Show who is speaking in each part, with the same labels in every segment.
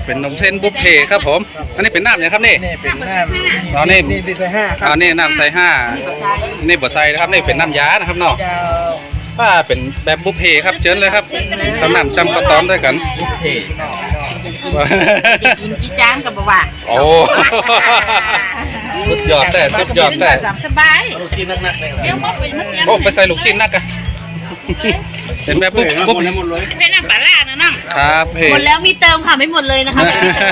Speaker 1: เป็นนมเส้นบุฟเฟ่ครับผมอันนี้เป็นน้ำเนี่ยครับนี่
Speaker 2: นี่เป็นน้ำ
Speaker 1: อ๋อนี่
Speaker 2: ดีไซน์5ครับ
Speaker 1: นี่น้ำใส่ห้านี่บดใส่นะครับนี่เป็นน้ำยานะครับเนาะ
Speaker 2: เจ้า
Speaker 1: ป้าเป็นแบบบุฟเฟ่ครับเชิญเลยครับทำน้ำจำข้าวต้มด้วยกัน
Speaker 2: บุฟเฟ่ต์
Speaker 3: กินกี่จานกับบ่ว่า
Speaker 1: โอ้สุดยอดแต่สุดยอดแต่
Speaker 3: สามสบาย
Speaker 2: ลูกชิ้นนักๆเลย
Speaker 3: เดี๋ยวมาไปมันยัง
Speaker 1: โอ้ไปใส่ลูกจิ้นนักอะเป็นแบบบุ๊บบุ๊บ
Speaker 2: หมดเลย
Speaker 3: เป็นน้ำปลาล่านะน้อง
Speaker 1: ครับเฮ้
Speaker 3: หมดแล้วมีเติมค่ะไม่หมดเลยนะคะไม่มีเติ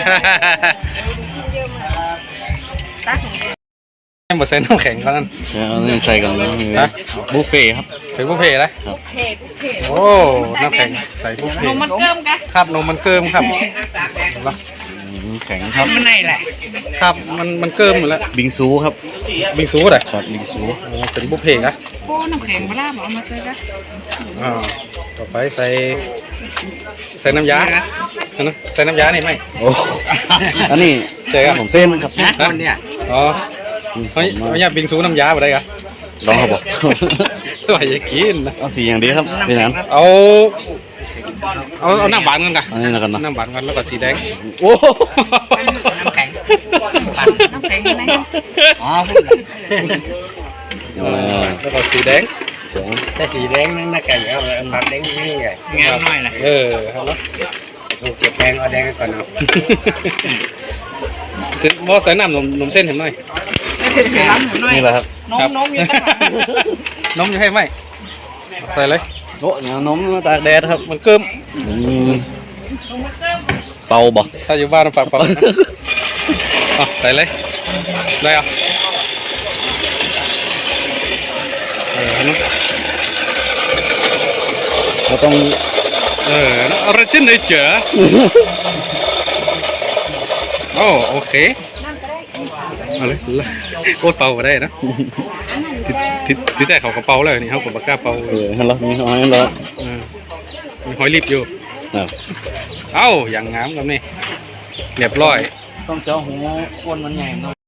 Speaker 3: มตัก
Speaker 1: ให้หมดใส่น้ำแข็งเขานั่น
Speaker 4: นี่ใส่กันนะบุฟเฟ่ครับ
Speaker 1: ถึงบุฟเฟ่ต์เลย
Speaker 3: เผ็ดเผ็ด
Speaker 1: โอ้น้ำแข็งใส่บุฟ
Speaker 3: น
Speaker 1: เฟ่
Speaker 3: มมันเกิมกัน
Speaker 1: ครับนมมันเกิมครับ
Speaker 4: แข็งครับ
Speaker 3: มันไหนแหละ
Speaker 1: ครับมันเกิมหมดแล้ว
Speaker 4: บิงซูครับ
Speaker 1: บิงซูเลย
Speaker 4: ครับบิงซู
Speaker 1: เป็นบุฟเฟ่ต์นะ
Speaker 3: โอ้น้ำแข็งปลาล่าบอกมาเลยนะ
Speaker 1: ต่อไปใส่น้ำยาใส่น้ำยานี่ไหม
Speaker 4: โอ้อันนี้
Speaker 1: ใช่ครับ
Speaker 4: ผมเส้นครับ
Speaker 1: คนเนี่ยอ๋อเฮ้ยเนี่ยบิงซูน้ำยาอะไรกัน
Speaker 4: ลองครับบอก
Speaker 1: ตัวอย่ากินนะ
Speaker 4: เอาสีอย่างเดียวครับพี่นัน
Speaker 1: เอาน้ำหวานกันกัน
Speaker 4: อันนี้แล้วกันนะ
Speaker 1: น้ำหวานกันแล้วก็สีแดง
Speaker 4: โอ้
Speaker 3: น้ำแข็งน้ำแข็งยังไง
Speaker 2: อ๋อ
Speaker 1: แล้วก็สีแดง
Speaker 2: แต่สีแดงนั่นน่ะไก่ครับผักแดงนี่ไงงามน้อยนะ
Speaker 1: ครับแล้ว
Speaker 2: เก็บแดงเอาแดงก่อนเนาะ
Speaker 1: มอใส่น้ำนมเส้นเห็นไหม
Speaker 3: ไม่ถึงไปร้านหนูหน่อย
Speaker 4: นี่แหละครับ
Speaker 3: นมอยู่ข้างหลัง
Speaker 1: นมอยู่ให้ไหมใส่เลย
Speaker 4: โอ้นมตากแดดครับ
Speaker 1: มันเกิม
Speaker 4: เป่าบ่
Speaker 1: ถ้าอยู่บ้านปากเปล่าใส่เลยได้อ่ะนะ
Speaker 4: เราต้อง
Speaker 1: อะไรเช่นไหนเจ๋อโอเคเอาเลยโคตรเป่าก็ได้นะที่แต่เขากระเป๋าเลยนี่เขากับปากกาเป่า
Speaker 4: ฮัลโหลมีหอยเหรอ
Speaker 1: มีหอยรีบอยู่
Speaker 4: ครับ
Speaker 1: เอ้าอย่างงามกับนี่เรียบร้อย
Speaker 4: ต้องเจาะหูคนมันใหญ่หน่อย